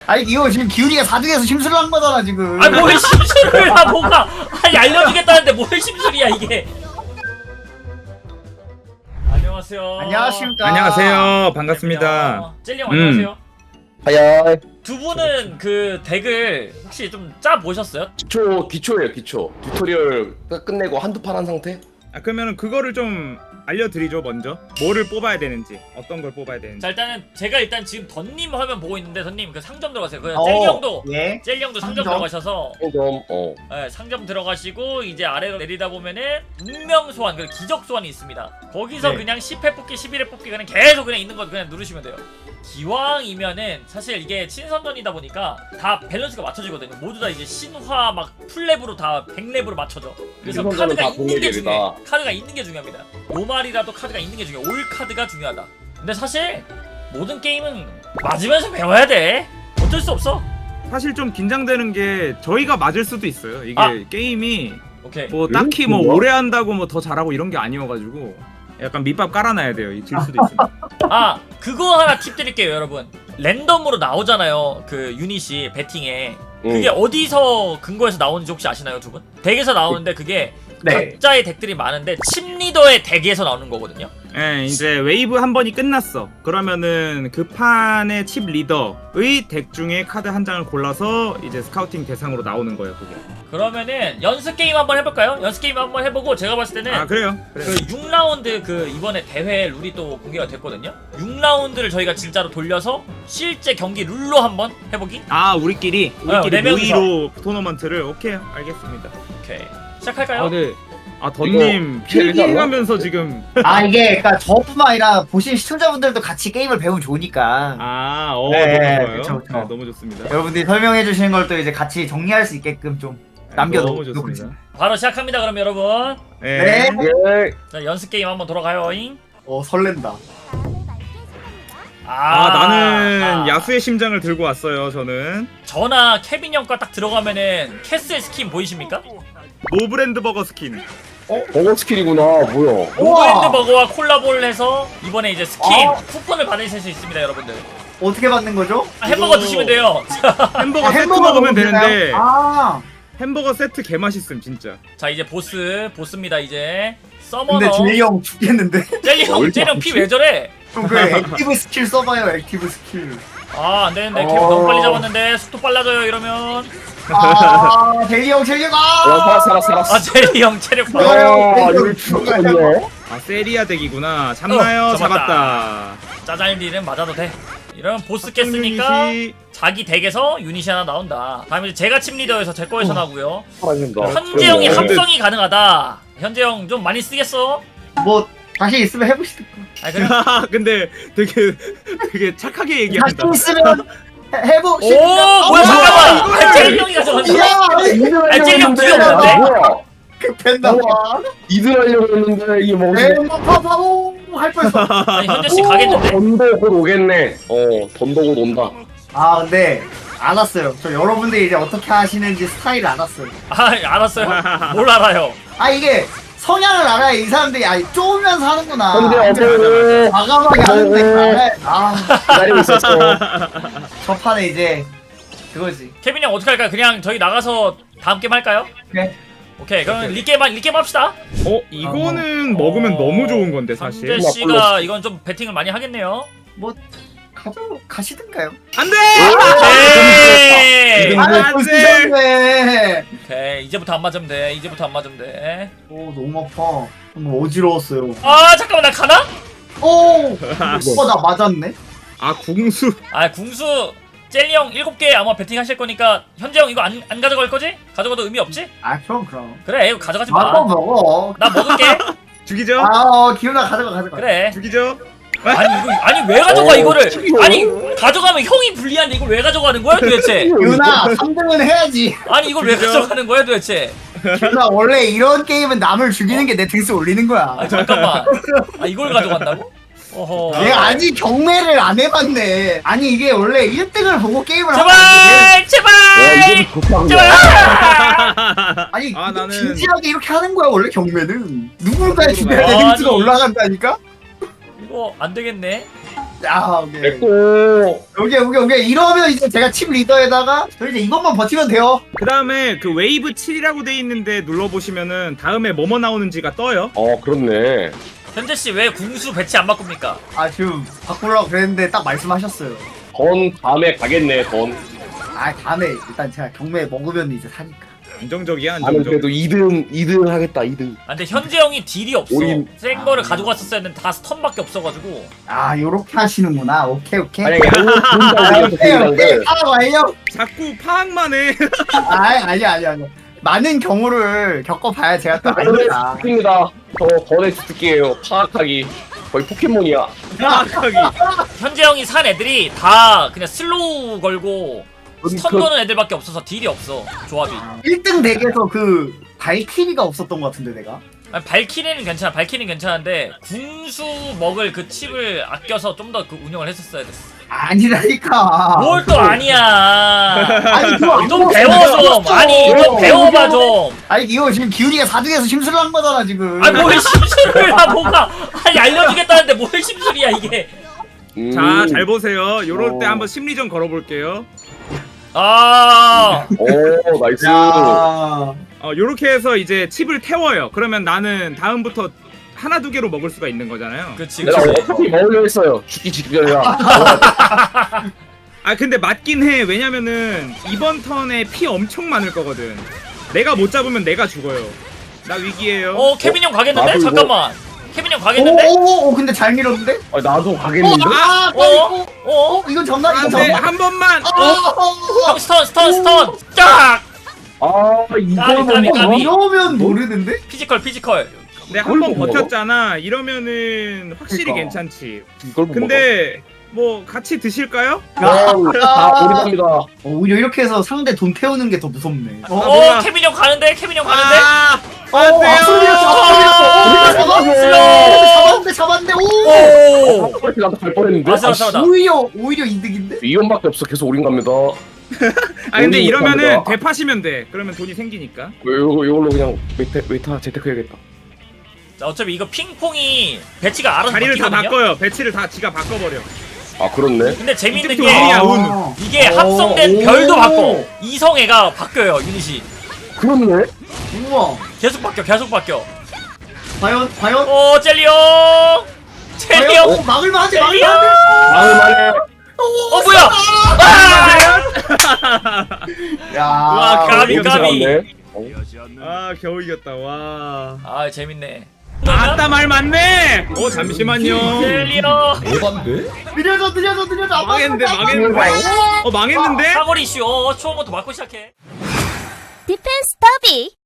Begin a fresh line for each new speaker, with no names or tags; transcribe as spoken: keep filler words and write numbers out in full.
아니 이거 지금 기훈이가 사 등에서 심술을 한 거잖아 지금.
아니 뭘 심술을 하 뭐가 아니 알려주겠다는데 뭘 심술이야 이게. 안녕하세요.
안녕하십니까.
안녕하세요. 반갑습니다.
젤리 형
음.
안녕하세요.
하야.
두 분은 그 덱을 혹시 좀 짜 보셨어요?
기초 기초예요 기초. 튜토리얼 딱 끝내고 한두 판 한 상태?
아, 그러면은 그거를 좀 알려드리죠. 먼저 뭐를 뽑아야 되는지, 어떤 걸 뽑아야 되는지.
자 일단은 제가 일단 지금 던님 화면 보고 있는데 던님 그 상점 들어가세요. 그
어,
젤리 형도
예.
젤리 형도 상점
상점?
들어가셔서
좀 어.
네, 상점 들어가시고 이제 아래로 내리다 보면은 운명 소환, 그 기적 소환이 있습니다. 거기서
네.
그냥 십 회 뽑기, 십일 회 뽑기 그냥 계속 그냥 있는 거 그냥 누르시면 돼요. 기왕이면은 사실 이게 친선전이다 보니까 다 밸런스가 맞춰지거든요. 모두 다 이제 신화 막 풀랩으로 다 백 랩으로 맞춰져. 그래서
친선전은
카드가
다
있는 게
공략이다.
중요해. 카드가 있는 게 중요합니다. 노말이라도 카드가 있는 게 중요해. 올 카드가 중요하다. 근데 사실 모든 게임은 맞으면서 배워야 돼. 어쩔 수 없어.
사실 좀 긴장되는 게 저희가 맞을 수도 있어요. 이게
아.
게임이
오케이.
뭐
음?
딱히 뭐
뭐야?
오래 한다고 뭐 더 잘하고 이런 게 아니어가지고 약간 밑밥 깔아놔야 돼요. 질 수도 있으니까.
아 그거 하나 팁 드릴게요 여러분. 랜덤으로 나오잖아요 그 유닛이 배팅에. 그게
응.
어디서 근거해서 나오는지 혹시 아시나요 두 분? 덱에서 나오는데 그게
네.
각자의 덱들이 많은데 칩리더의 덱에서 나오는 거거든요.
예, 이제 웨이브 한 번이 끝났어. 그러면은 그 판의 칩 리더의 덱 중에 카드 한 장을 골라서 이제 스카우팅 대상으로 나오는 거예요. 그게.
그러면은 연습 게임 한번 해볼까요? 연습 게임 한번 해보고 제가 봤을 때는
아 그래요? 그래요.
그 육 라운드 그 이번에 대회 룰이 또 공개가 됐거든요. 육 라운드를 저희가 진짜로 돌려서 실제 경기 룰로 한번 해보기?
아 우리끼리
어,
우리끼리
네 명이서.
모의로 토너먼트를 오케이 알겠습니다.
오케이 시작할까요?
아 네. 아 던님 필기해가면서 지금
아 이게 그러니까 저뿐만 아니라 보신 시청자분들도 같이 게임을 배우면 좋으니까
아 어
네,
너무 좋아요.
그쵸, 그쵸.
네, 너무 좋습니다.
여러분들이 설명해 주시는 걸 또 이제 같이 정리할 수 있게끔 좀 남겨
너무
놓고
좋습니다.
바로 시작합니다 그럼 여러분.
네.
네.
예.
자 연습 게임 한번 돌아가요잉.
어 설렌다.
아, 나는
아.
야수의 심장을 들고 왔어요. 저는
저나 케빈 형과 딱 들어가면은 캐슬 스킨 보이십니까?
노브랜드 버거 스킨.
버거 스킬이구나. 뭐야?
노브랜드 버거와 콜라보를 해서 이번에 이제 스킨
어?
쿠폰을 받으실 수 있습니다 여러분들.
어떻게 받는 거죠?
아, 햄버거
이거-
드시면 돼요.
햄버거
아,
세트
햄버거
먹으면
되나요?
되는데
아
햄버거 세트 개 맛있음 진짜.
자 이제 보스 보스입니다 이제. 서머너
근데 제이 형 죽겠는데?
젤리 형
얼마
젤리 형 피 왜 저래?
좀 그 액티브 스킬 써봐요 액티브 스킬.
아 안되는데 케빈
어.
너무 빨리 잡았는데 속도 빨라져요 이러면.
아 제이 형 체력
야
아.
살았 살았 살았.
아 젤리 형 체력 봐.
야,
아 이걸 죽었네.
아 세리아 덱이구나. 잡나요?
어, 잡았다.
잡았다.
짜잘리는 맞아도 돼. 이러면 보스 깼으니까
유닛이-
자기 덱에서 유닛이 하나 나온다. 다음에 이제 제가 침 리더에서 제 거에서 나오고요.
살아진다.
현재 형이
그러네.
합성이 가능하다. 현재 형 좀 많이 쓰겠어?
뭐 다시 있으면 해보시겠다.
아니 그래.
야, 근데 되게 되게 착하게 얘기한다.
다시 있으면 해- 해보.
오 뭐야 잠깐만. 아, 젤리 형이 가져갔네.
야
아, 젤리 형 뒤에 없는데?
뭐야?
급했나 봐.
이들 하려고 했는데 이게 뭐지?
에이 파파오 할 뻔했어.
아니 현재 씨 가겠는데?
던도 곧 오겠네. 어 던도 곧 온다.
아 근데 알았어요. 저 여러분들이 이제 어떻게 하시는지 스타일을 알았어요.
아 알았어요. 뭘 알아요?
아 이게 성향을 알아야 이 사람들이 아니 쪼으면서 하는구나.
근데
맞아,
어제
과감하게 하는데 알아야- 아
기다리고 있었어.
저 판에 이제 그거지.
케빈 형 어떻게 할까요? 그냥 저희 나가서 다음 게임 할까요?
그래.
오케이 그럼 리게임 리게임 합시다.
어 이거는 먹으면
어,
너무 좋은 건데 사실.
현재 씨가 이건 좀 배팅을 많이 하겠네요.
뭐 가져 가시든가요.
안돼.
오케이.
아,
아
안 돼.
쓰셨네.
오케이 이제부터 안 맞으면 돼. 이제부터 안 맞으면 돼.
오 너무 아파. 너무 어지러웠어요.
아 잠깐만 나 가나?
오. 어나 맞았네.
아 궁수.
아 궁수 젤리 형 일곱 개 아마 배팅 하실 거니까 현재 형 이거 안, 안 가져갈 거지? 가져가도 의미 없지?
아 그럼 그럼.
그래 이거 가져가지
마음
마.
먹어.
나 먹을게.
죽이죠?
아 어, 기훈아 가져가 가져가.
그래.
죽이죠?
아니 이거 아니 왜 가져가
어,
이거를?
튀기고.
아니 가져가면 형이 불리한데 이걸 왜 가져가는 거야 도대체?
기훈아 삼 등은 해야지.
아니 이걸 왜
그죠?
가져가는 거야 도대체?
기훈아 원래 이런 게임은 남을 죽이는 게 내 등수 올리는 거야.
아 잠깐만. 아 이걸 가져간다고? 어허.
내가 아직 경매를 안 해봤네. 아니 이게 원래 일 등을 보고 게임을 하면 안
제발
야
제발
이게 급한
제발.
거야.
아니
아, 나는-
진지하게 이렇게 하는 거야 원래 경매는. 누굴까지 죽여야 내
아니.
등수가 올라간다니까?
이거 안 되겠네.
야 오케이.
됐고.
오케이 오케이 오케이. 이러면 이제 제가 팀 리더에다가 저 이제 이것만 버티면 돼요.
그 다음에 그 웨이브 칠이라고 돼 있는데 눌러보시면은 다음에 뭐뭐 나오는지가 떠요.
어 그렇네.
현재 씨 왜 궁수 배치 안 바꿉니까?
아 지금 바꾸려고 그랬는데 딱 말씀하셨어요.
던 다음에 가겠네 던.
아 다음에 일단 제가 경매 먹으면 이제 사니까.
안정적이야
나는
안정적.
그래도 이 등 이 등 하겠다 이 등.
아, 근데 현재 형이 딜이 없어.
오인.
센 거를 가지고 왔었어야 했는데 다 스턴밖에 없어가지고.
아 요렇게 하시는구나. 오케이 오케이.
만약에
아,
한번
오케이 오케이. 아 와요.
자꾸 파악만 해.
아 아니 아니 아니. 많은 경우를 겪어봐야 제가 또 아니까.
입니다. 저 던의 주특기예요. 파악하기. 거의 포켓몬이야.
파악하기.
현재 형이 산 애들이 다 그냥 슬로우 걸고 스턴 거는 애들밖에 없어서 딜이 없어. 조합이.
일 등 덱에서 그 발키리가 없었던 것 같은데 내가.
아니, 발키리는 괜찮아. 발키리는 괜찮은데 궁수 먹을 그 칩을 아껴서 좀 더 그 운영을 했었어야 됐어.
아니라니까.
뭘 또 아니야.
아니 그거
좀 배워 좀. 아니 좀 배워봐 좀.
아니 이거 지금 기훈이가 사 등에서 심술을 한 거잖아 지금.
아니 뭘 심술을 하 뭐가. 아니 알려주겠다는데 뭘 심술이야 이게.
음.
자 잘 보세요. 요럴 때
어.
한번 심리전 걸어볼게요.
아.
오 나이스.
야.
어 요렇게 해서 이제 칩을 태워요. 그러면 나는 다음부터 하나 두 개로 먹을 수가 있는 거잖아요.
그치
내가
그치.
어차피 먹으려 했어요. 죽기 직전이라.
아 근데 맞긴 해. 왜냐면은 이번 턴에 피 엄청 많을 거거든. 내가 못 잡으면 내가 죽어요. 나 위기에요.
어 케빈 형 가겠는데?
나도 이거-
잠깐만. 케빈 형 가겠는데?
오오오 근데 잘 밀었는데?
아, 나도 가겠는데.
아,
어?
어?
어?
어? 이건 정답 이건
안돼
정답.
한 번만.
형 스턴 스턴 스턴 쫙!
아 이걸
까비, 까비,
못
까비.
먹어?
이러면 모르는데?
피지컬 피지컬.
내가 한 번
못 먹어?
버텼잖아. 이러면은 확실히
그러니까.
괜찮지.
이걸 못
근데 뭐 같이 드실까요?
먹어. 다 오리답니다.
어, 오히려 이렇게 해서 상대 돈 태우는 게 더 무섭네.
아,
어
뭐야.
케빈 형 가는데? 케빈 형 가는데?
아,
어,
안
앞서 밀었어, 앞서 밀었어. 오,
슬로우!
잡았는데, 잡았는데, 오!
오!
그렇게 나도 갈 뻔했는데.
맞아,
아,
맞아, 맞아.
오히려, 오히려 이득인데?
이원밖에 없어. 계속 오린 갑니다.
아 근데
오리
이러면은
못합니다.
되파시면 돼. 그러면 돈이 생기니까.
이거 이걸로 그냥 웨이터 웨이터 재테크 해야겠다.
자, 어차피 이거 핑퐁이 배치가 알아서
자리를 다
바뀌거든요?
바꿔요. 배치를 다 지가 바꿔버려.
아 그렇네.
근데 재밌는
이때부터
게
운이야, 운.
아.
이게
오,
합성된
오.
별도 바꿔. 이성애가 바뀌어요 유닛이.
그렇네.
우와.
계속 바뀌어 계속 바뀌어.
과연, 과연?
오 젤리 형! 젤리
과연?
형!
어, 막을만 하지,
젤리
막을만
형!
하지.
마음만에
어 뭐야! 아!
야.
와, 까비,
이렇게
까비.
잘하네. 어?
아 겨우 이겼다. 와.
아 재밌네.
아따 말 맞네. 어 잠시만요.
젤리 형!
느려져, 느려져, 느려져. 안
망했는데
막았어,
망했는데. 어 망했는데?
사거리 이슈. 어, 초음부터 맞고 시작해.
디펜스 더비